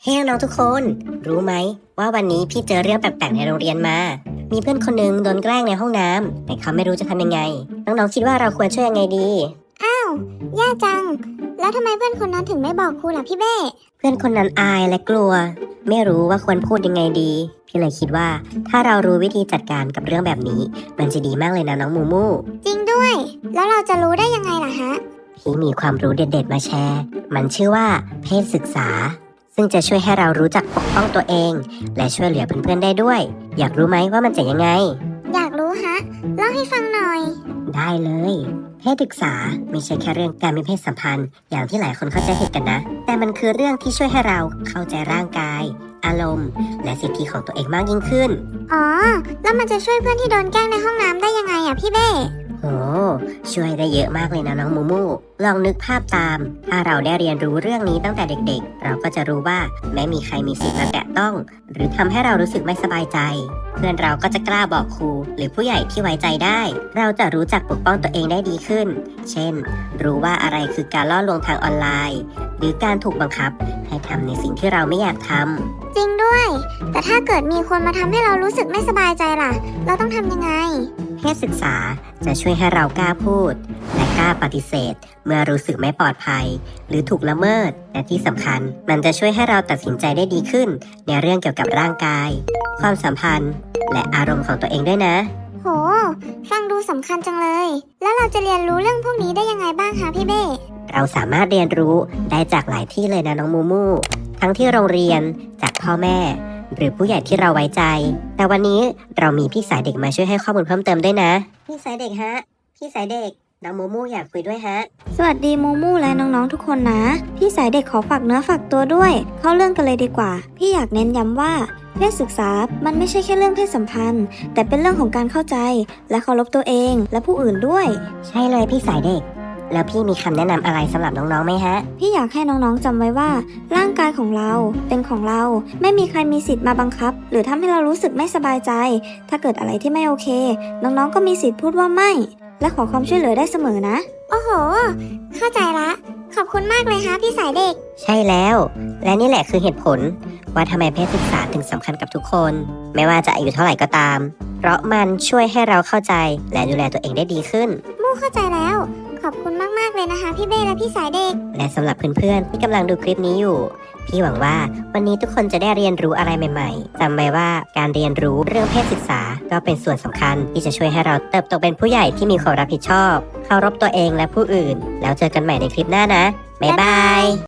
ฮ้น้องๆทุกคนรู้ไหมว่าวันนี้พี่เจอเรื่องแปลกๆในโรงเรียนมา มีเพื่อนคนหนึ่งโดนแกล้งในห้องน้ำแต่เขาไม่รู้จะทำยังไงน้องๆคิดว่าเราควรช่วยยังไงดีแย่จัง แล้วทำไมเพื่อนคนนั้นถึงไม่บอกครูล่ะพี่เบ้เพื่อนคนนั้นอายและกลัวไม่รู้ว่าควรพูดยังไงดีพี่เลยคิดว่าถ้าเรารู้วิธีจัดการกับเรื่องแบบนี้มันจะดีมากเลยนะน้องมูมูจริงด้วยแล้วเราจะรู้ได้ยังไงล่ะฮะพี่มีความรู้เด็ดๆมาแชร์มันชื่อว่าเพศศึกษาซึ่งจะช่วยให้เรารู้จักปกป้องตัวเองและช่วยเหลือเพื่อนๆได้ด้วยอยากรู้ไหมว่ามันจะยังไงอยากรู้ฮะเล่าให้ฟังหน่อยได้เลยเพศศึกษาไม่ใช่แค่เรื่องการมีเพศสัมพันธ์อย่างที่หลายคนเข้าใจผิดกันนะแต่มันคือเรื่องที่ช่วยให้เราเข้าใจร่างกายอารมณ์และสิทธิของตัวเองมากยิ่งขึ้นอ๋อแล้วมันจะช่วยเพื่อนที่โดนแกล้งในห้องน้ำได้ยังไงอ่ะพี่เบ้โอ้ช่วยได้เยอะมากเลยนะน้องมูมูลองนึกภาพตามถ้าเราได้เรียนรู้เรื่องนี้ตั้งแต่เด็กๆเราก็จะรู้ว่าไม่มีใครมีสิทธิ์มาแตะต้องหรือทำให้เรารู้สึกไม่สบายใจเพื่อนเราก็จะกล้าบอกครูหรือผู้ใหญ่ที่ไว้ใจได้เราจะรู้จักปกป้องตัวเองได้ดีขึ้นเช่นรู้ว่าอะไรคือการล่อลวงทางออนไลน์หรือการถูกบังคับให้ทำในสิ่งที่เราไม่อยากทำจริงด้วยแต่ถ้าเกิดมีคนมาทำให้เรารู้สึกไม่สบายใจล่ะเราต้องทำยังไงเพศศึกษาจะช่วยให้เรากล้าพูดและกล้าปฏิเสธเมื่อรู้สึกไม่ปลอดภัยหรือถูกละเมิดและที่สำคัญมันจะช่วยให้เราตัดสินใจได้ดีขึ้นในเรื่องเกี่ยวกับร่างกายความสัมพันธ์และอารมณ์ของตัวเองด้วยนะโหฟังดูสำคัญจังเลยแล้วเราจะเรียนรู้เรื่องพวกนี้ได้ยังไงบ้างคะพี่เบ้เราสามารถเรียนรู้ได้จากหลายที่เลยนะน้องมูมูทั้งที่โรงเรียนจากพ่อแม่หรือผู้ใหญ่ที่เราไว้ใจแต่วันนี้เรามีพี่สายเด็กมาช่วยให้ข้อมูลเพิ่มเติมด้วยนะพี่สายเด็กฮะพี่สายเด็กน้องมูมูอยากคุยด้วยฮะสวัสดีมูมูและน้องๆทุกคนนะพี่สายเด็กขอฝากเนื้อฝากตัวด้วยเข้าเรื่องกันเลยดีกว่าพี่อยากเน้นย้ำว่าเพศศึกษามันไม่ใช่แค่เรื่องเพศสัมพันธ์แต่เป็นเรื่องของการเข้าใจและเคารพตัวเองและผู้อื่นด้วยใช่เลยพี่สายเด็กแล้วพี่มีคำแนะนำอะไรสำหรับน้องๆไหมฮะพี่อยากให้น้องๆจำไว้ว่าร่างกายของเราเป็นของเราไม่มีใครมีสิทธิ์มาบังคับหรือทำให้เรารู้สึกไม่สบายใจถ้าเกิดอะไรที่ไม่โอเคน้องๆก็มีสิทธิ์พูดว่าไม่และขอความช่วยเหลือได้เสมอนะโอ้โหเข้าใจละขอบคุณมากเลยฮะพี่สายเด็กใช่แล้วและนี่แหละคือเหตุผลว่าทำไมเพศศึกษาถึงสำคัญกับทุกคนไม่ว่าจะอายุเท่าไหร่ก็ตามเพราะมันช่วยให้เราเข้าใจและดูแลตัวเองได้ดีขึ้นมู่เข้าใจแล้วขอบคุณมากๆเลยนะคะพี่เบ้และพี่สายเด็กและสำหรับเพื่อนๆที่กำลังดูคลิปนี้อยู่พี่หวังว่าวันนี้ทุกคนจะได้เรียนรู้อะไรใหม่ๆจำไว้ว่าการเรียนรู้เรื่องเพศศึกษาก็เป็นส่วนสำคัญที่จะช่วยให้เราเติบโตเป็นผู้ใหญ่ที่มีความรับผิดชอบเคารพตัวเองและผู้อื่นแล้วเจอกันใหม่ในคลิปหน้านะบ๊ายบาย